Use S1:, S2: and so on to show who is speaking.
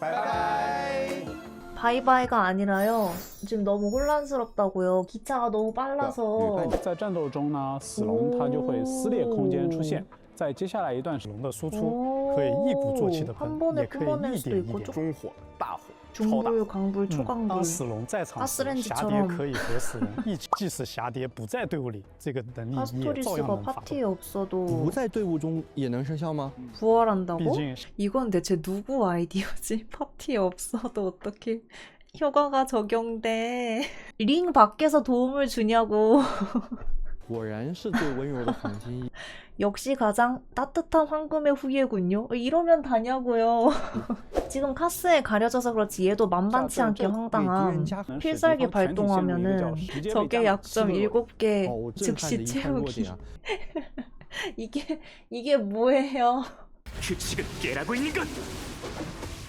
S1: 바이바이.
S2: 바이바이가 아니라요. 지금 너무 혼란스럽다고요. 기차가 너무 빨라서.
S3: 在战斗中呢，死龙它就会撕裂空间出现，在接下来一段时
S1: 龙的输出可以一鼓作气的
S2: 한
S1: 喷，
S2: 번에
S1: 也可以
S2: 뿜어낼
S1: 一
S2: 수도
S1: 点一
S2: 있고
S1: 点
S2: 좀
S1: 中火、大火、超大火。
S2: 중불, 강불, 초강불.
S1: 当死龙在场时，侠蝶可以和死龙一起。即使侠蝶不在队伍里，这个能力也照样
S2: 파스토리스가
S1: 能发动。
S2: 파티에 없어도
S4: 不在队伍中也能生效吗？
S2: 부활한다고?
S1: 毕竟
S2: 이건 대체 누구 아이디어지? 파티에 없어도 어떻게 효과가 적용돼? 링 밖에서 도움을 주냐고.
S4: 果然是最温柔的黄金。
S2: 역시 가장 따뜻한 황금의 후예군요. 이러면 다냐고요. 지금 카스에 가려져서 그렇지 얘도 만만치 않게 황당함. 필살기 발동하면은 적의 약점 7개
S4: 哦，震撼的
S2: 즉시
S4: 一看弱
S2: 채우기.
S4: 点啊！
S2: 이게 뭐예요?
S5: 규칙은 깨라고 있는 것.